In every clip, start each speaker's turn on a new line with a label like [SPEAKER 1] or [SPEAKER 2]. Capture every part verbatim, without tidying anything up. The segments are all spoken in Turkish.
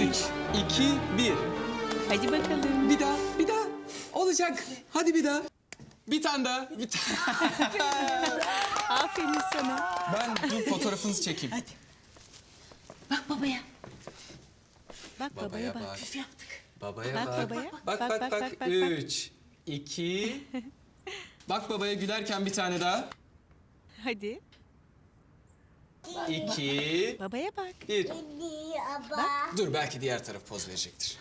[SPEAKER 1] Üç, iki, bir.
[SPEAKER 2] Hadi bakalım.
[SPEAKER 1] Bir daha, bir daha. Olacak. Hadi bir daha. Bir tane daha. Bir tane.
[SPEAKER 2] Aferin sana.
[SPEAKER 1] Ben dur fotoğrafınızı çekeyim.
[SPEAKER 3] Hadi. Bak babaya.
[SPEAKER 2] Bak babaya,
[SPEAKER 1] Babaya
[SPEAKER 2] bak.
[SPEAKER 1] bak.
[SPEAKER 3] Püf yaptık.
[SPEAKER 1] Babaya
[SPEAKER 2] Bak
[SPEAKER 1] bak.
[SPEAKER 2] babaya.
[SPEAKER 1] Bak bak bak.
[SPEAKER 2] Bak, bak, bak,
[SPEAKER 1] Üç, iki. Bak babaya gülerken bir tane daha.
[SPEAKER 2] Hadi.
[SPEAKER 1] İki,
[SPEAKER 2] Babaya bak.
[SPEAKER 1] bir.
[SPEAKER 4] Bak.
[SPEAKER 1] Dur belki diğer taraf poz verecektir.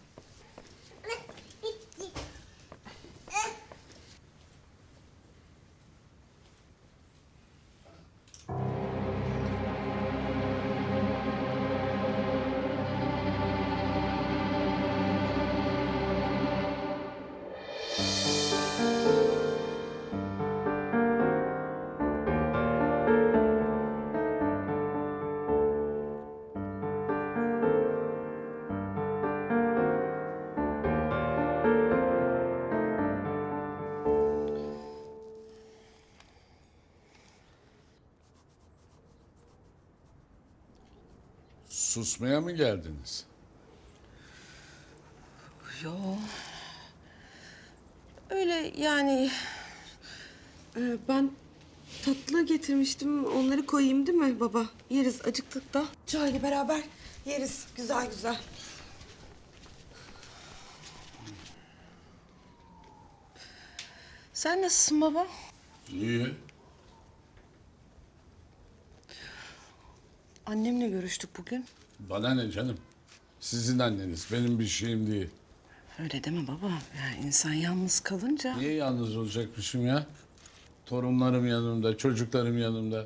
[SPEAKER 5] Susmaya mı geldiniz?
[SPEAKER 3] Yo. Öyle yani. Ee, ben tatlı getirmiştim. Onları koyayım değil mi baba? Yeriz acıktık da. Çayla beraber yeriz. Güzel güzel. Sen nasılsın baba?
[SPEAKER 5] İyi.
[SPEAKER 3] Annemle görüştük bugün.
[SPEAKER 5] Bana ne canım? Sizin anneniz, benim bir şeyim değil.
[SPEAKER 3] Öyle deme baba. Ya insan yalnız kalınca...
[SPEAKER 5] Niye yalnız olacakmışım ya? Torunlarım yanımda, çocuklarım yanımda.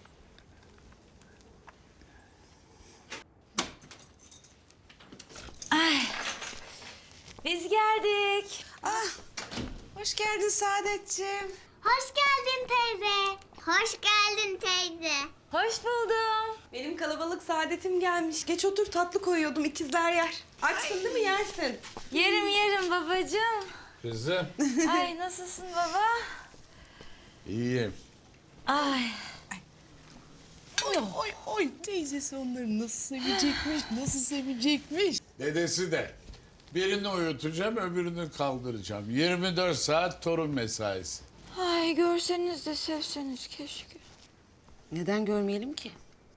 [SPEAKER 6] Biz geldik.
[SPEAKER 3] Ah, hoş geldin Saadetciğim.
[SPEAKER 4] Hoş geldin teyze. Hoş geldin teyze.
[SPEAKER 6] Hoş buldum.
[SPEAKER 3] Benim kalabalık Saadet'im gelmiş. Geç otur, tatlı koyuyordum, ikizler yer. Açsın değil mi, yersin?
[SPEAKER 6] Yerim yerim babacığım.
[SPEAKER 5] Kızım.
[SPEAKER 6] Ay nasılsın baba?
[SPEAKER 5] İyiyim.
[SPEAKER 6] Ay.
[SPEAKER 3] Oy, oy, oy. Teyzesi onları nasıl sevecekmiş, nasıl sevecekmiş.
[SPEAKER 5] Dedesi de. Birini uyutacağım, öbürünü kaldıracağım. yirmi dört saat torun mesaisi.
[SPEAKER 6] Ay görseniz de sevseniz keşke.
[SPEAKER 3] Neden görmeyelim ki?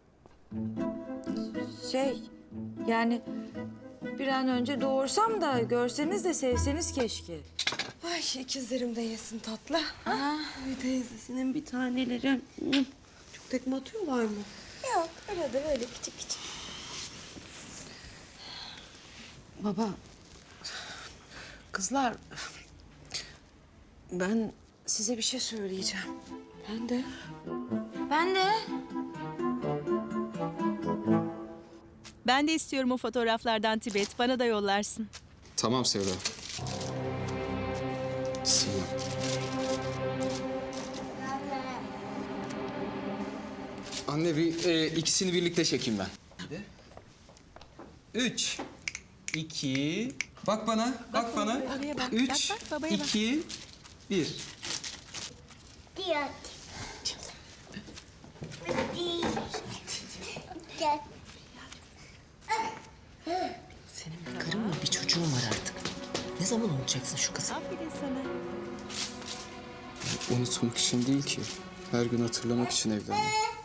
[SPEAKER 6] Şey yani bir an önce doğursam da görseniz de sevseniz keşke.
[SPEAKER 3] Ay, ikizlerim de yesin tatlı.
[SPEAKER 6] Aha.
[SPEAKER 3] Ay teyzesinin bir taneleri. Çok tekme atıyorlar mı?
[SPEAKER 6] Yok öyle de böyle küçük küçük.
[SPEAKER 3] Baba, kızlar, ben size bir şey söyleyeceğim. Ben de.
[SPEAKER 6] Ben de.
[SPEAKER 2] Ben de istiyorum o fotoğraflardan Tibet. Bana da yollarsın.
[SPEAKER 1] Tamam Sevda. Sinem. Anne bir e, ikisini birlikte çekeyim ben. Üç, iki, bak bana, bak, bana.
[SPEAKER 2] babaya bak.
[SPEAKER 1] Üç,
[SPEAKER 2] Bak, bak, babaya bak.
[SPEAKER 1] iki, bir.
[SPEAKER 4] Diyor. Gel.
[SPEAKER 3] Senin bir karın mı, bir çocuğun var artık. Ne zaman unutacaksın şu kızı?
[SPEAKER 2] Aferin sana.
[SPEAKER 1] Unutmak için değil ki. Her gün hatırlamak için evlendim.